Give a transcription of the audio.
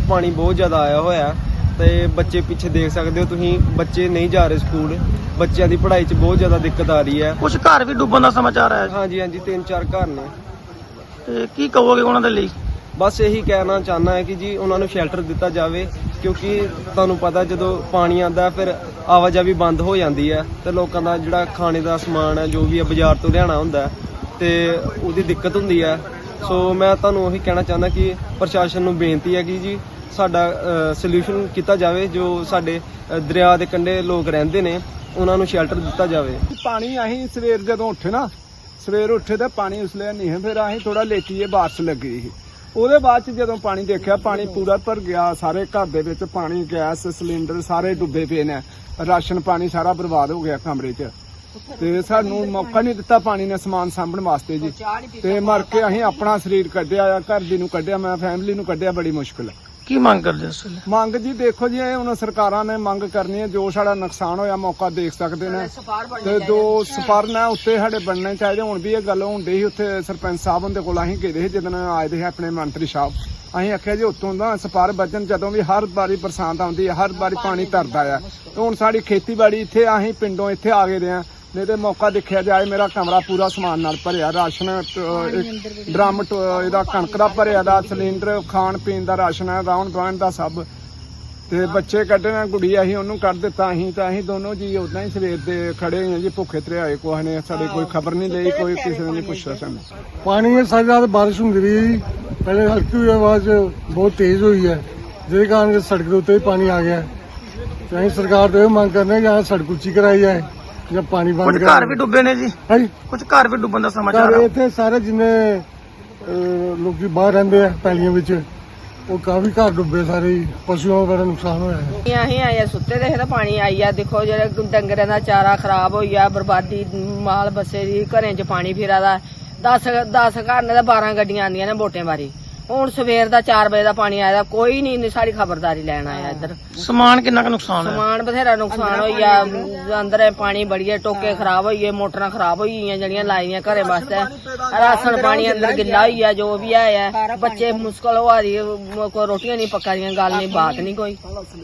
पानी बहुत ज़्यादा आया हुआ है ਤੇ ਬੱਚੇ ਪਿੱਛੇ ਦੇਖ ਸਕਦੇ ਹੋ ਤੁਸੀਂ, ਬੱਚੇ ਨਹੀਂ ਜਾ ਰਹੇ ਸਕੂਲ, ਬੱਚਿਆਂ ਦੀ ਪੜ੍ਹਾਈ 'ਚ ਬਹੁਤ ਜ਼ਿਆਦਾ ਦਿੱਕਤ ਆ ਰਹੀ ਹੈ। ਕੁਝ ਘਰ ਵੀ ਡੁੱਬਣ ਦਾ ਸਮਾਚਾਰ ਆਇਆ। ਹਾਂਜੀ ਹਾਂਜੀ, 3-4 ਘਰ ਨੇ। ਤੇ ਕੀ ਕਹੋਗੇ ਉਹਨਾਂ ਦੇ ਲਈ? ਬਸ ਇਹੀ ਕਹਿਣਾ ਚਾਹੁੰਦਾ ਹੈ ਕਿ ਜੀ ਉਹਨਾਂ ਨੂੰ ਸ਼ੈਲਟਰ ਦਿੱਤਾ ਜਾਵੇ, ਕਿਉਂਕਿ ਤੁਹਾਨੂੰ ਪਤਾ ਜਦੋਂ ਪਾਣੀ ਆਉਂਦਾ ਫਿਰ ਆਵਾਜਾਈ ਬੰਦ ਹੋ ਜਾਂਦੀ ਹੈ ਤੇ ਲੋਕਾਂ ਦਾ ਜਿਹੜਾ ਖਾਣੇ ਦਾ ਸਮਾਨ ਹੈ ਜੋ ਵੀ ਹੈ ਬਾਜ਼ਾਰ ਤੋਂ ਲਿਆਉਣਾ ਹੁੰਦਾ ਤੇ ਉਹਦੀ ਦਿੱਕਤ ਹੁੰਦੀ ਹੈ। ਸੋ ਮੈਂ ਤੁਹਾਨੂੰ ਉਹੀ ਕਹਿਣਾ ਚਾਹੁੰਦਾ ਕਿ ਪ੍ਰਸ਼ਾਸਨ ਨੂੰ ਬੇਨਤੀ ਹੈ ਕਿ ਜੀ ਸਾਡਾ ਸੋਲੂਸ਼ਨ ਕੀਤਾ ਜਾਵੇ, ਜੋ ਸਾਡੇ ਦਰਿਆ ਦੇ ਕੰਢੇ ਲੋਕ ਰਹਿੰਦੇ ਨੇ ਉਹਨਾਂ ਨੂੰ ਸ਼ੈਲਟਰ ਦਿੱਤਾ ਜਾਵੇ। ਪਾਣੀ ਅਸੀਂ ਸਵੇਰ ਜਦੋਂ ਸਵੇਰ ਉੱਠੇ ਤਾਂ ਪਾਣੀ ਉਸ ਲਈ ਨਹੀਂ, ਫਿਰ ਅਸੀਂ ਥੋੜਾ ਲੇਟੀਏ, ਬਾਰਿਸ਼ ਲੱਗੀ ਸੀ। ਉਹਦੇ ਬਾਅਦ ਚ ਜਦੋਂ ਪਾਣੀ ਦੇਖਿਆ ਪਾਣੀ ਪੂਰਾ ਭਰ ਗਿਆ, ਸਾਰੇ ਘਰ ਦੇ ਵਿੱਚ ਪਾਣੀ, ਗੈਸ ਸਿਲੰਡਰ ਸਾਰੇ ਡੁੱਬੇ ਪਏ ਨੇ, ਰਾਸ਼ਨ ਪਾਣੀ ਸਾਰਾ ਬਰਬਾਦ ਹੋ ਗਿਆ ਕਮਰੇ 'ਚ। ਤੇ ਸਾਨੂੰ ਮੌਕਾ ਨਹੀਂ ਦਿੱਤਾ ਪਾਣੀ ਨੇ ਸਮਾਨ ਸਾਂਭਣ ਵਾਸਤੇ ਜੀ, ਤੇ ਮਰ ਕੇ ਅਸੀਂ ਆਪਣਾ ਸਰੀਰ ਕੱਢਿਆ ਆ, ਘਰ ਦੀ ਨੂੰ ਕੱਢਿਆ, ਮੈਂ ਫੈਮਿਲੀ ਨੂੰ ਕੱਢਿਆ, ਬੜੀ ਮੁਸ਼ਕਿਲ। ਕੀ ਮੰਗ ਕਰਦੇ ਇਸ ਵੇਲੇ? ਮੰਗ ਜੀ ਦੇਖੋ ਜੀ, ਇਹ ਹੁਣ ਸਰਕਾਰਾਂ ਨੇ ਮੰਗ ਕਰਨੀ ਹੈ, ਜੋ ਸਾਡਾ ਨੁਕਸਾਨ ਹੋਇਆ ਮੌਕਾ ਦੇਖ ਸਕਦੇ ਨੇ, ਤੇ ਜੋ ਸਪਰਨ ਹੈ ਉੱਤੇ ਸਾਡੇ ਬਣਨੇ ਚਾਹੀਦੇ। ਹੁਣ ਵੀ ਇਹ ਗੱਲ ਹੁੰਦੀ ਸੀ ਉੱਥੇ ਸਰਪੰਚ ਸਾਹਿਬ ਹੁੰਦੇ ਕੋਲ, ਅਸੀਂ ਗਏ ਸੀ ਜਦੋਂ ਆਏ ਦੇ ਆਪਣੇ ਮੰਤਰੀ ਸਾਹਿਬ, ਅਸੀਂ ਆਖਿਆ ਜੀ ਉੱਤੋਂ ਦਾ ਸਪਾਰ ਬਚਨ, ਜਦੋਂ ਵੀ ਹਰ ਵਾਰੀ ਬਰਸਾਤ ਆਉਂਦੀ ਹੈ ਹਰ ਵਾਰੀ ਪਾਣੀ ਤਰਦਾ ਆ। ਹੁਣ ਸਾਡੀ ਖੇਤੀਬਾੜੀ ਇੱਥੇ, ਅਸੀਂ ਪਿੰਡੋਂ ਇੱਥੇ ਆ ਗਏ ਦੇ ਆ, नहीं तो मौका देखा जाए मेरा कमरा पूरा समान नाल भरिया, राशन ड्रम इहदा कणक दा भरिया दा, सिलेंडर खाण पीण दा राशन है, राउंड बाउंड दा सब, ते बच्चे कड्ढना गुड़िया ही उन्होंने कढ़ दिता। असीं दोनों जी उदा ही सवेर दे खड़े हैं जी, भुखे त्रिहाए, कोई ने साडी कोई खबर नहीं ली, कोई किसी ने नहीं पुछया सानूं। पानी में सारी रात बारिश होंदी रही, पहले हल्की हुई आवाज बहुत तेज हुई है, जिस कारण सड़क के उत्ते पानी आ गया। तो असीं सरकार तो यह मांग करने यहाँ सड़क उच्ची कराई जाए, जब पानी बंद। कुछ घर भी डुबे ने जी? हाँ जी, कुछ घर भी डुबन का समाचार है। इतने सारे जिन्हें लोग बाहर रहते हैं पैलियों विच, वो काफी घर डुबे, सारे पशुओं का बड़ा नुकसान होया है। असीं आए सुत्ते दे ते पानी आई आ, देखो जेह्ड़े डंगरें दा चारा खराब होई आ, बर्बादी माल बस्से दी, घरें च पानी फिरा दा। 10 घर ने ते 12 गड्डियां आंदियां ने वोटें बारी। ਹੁਣ ਸਵੇਰ ਦਾ 4 ਵਜੇ ਦਾ ਪਾਣੀ ਆਇਆ, ਕੋਈ ਨਹੀਂ ਸਾਡੀ ਖਬਰਦਾਰੀ ਲੈਣ ਆਇਆ। ਇੱਧਰ ਸਮਾਨ ਕਿੰਨਾ ਕੁ ਨੁਕਸਾਨ ਹੋਇਆ? ਸਮਾਨ ਬਥੇਰਾ ਨੁਕਸਾਨ ਹੋਈ ਆ, ਅੰਦਰ ਪਾਣੀ ਬੜੀਏ, ਟੋਕੇ ਖਰਾਬ ਹੋਈਏ, ਮੋਟਰਾਂ ਖਰਾਬ ਹੋਈ ਗਈਆਂ ਜਿਹੜੀਆਂ ਲਾਈਆਂ ਘਰੇ ਵਾਸਤੇ, ਰਾਸ਼ਨ ਪਾਣੀ ਅੰਦਰ ਗਿੱਲਾ ਹੋਈ ਆ, ਜੋ ਵੀ ਆਇਆ ਬੱਚੇ ਮੁਸ਼ਕਲ ਹੋ ਰਹੀ, ਕੋਈ ਰੋਟੀਆਂ ਨਹੀਂ ਪੱਕਾ ਦੀਆਂ, ਗੱਲ ਨਹੀਂ ਬਾਤ ਨਹੀਂ ਕੋਈ।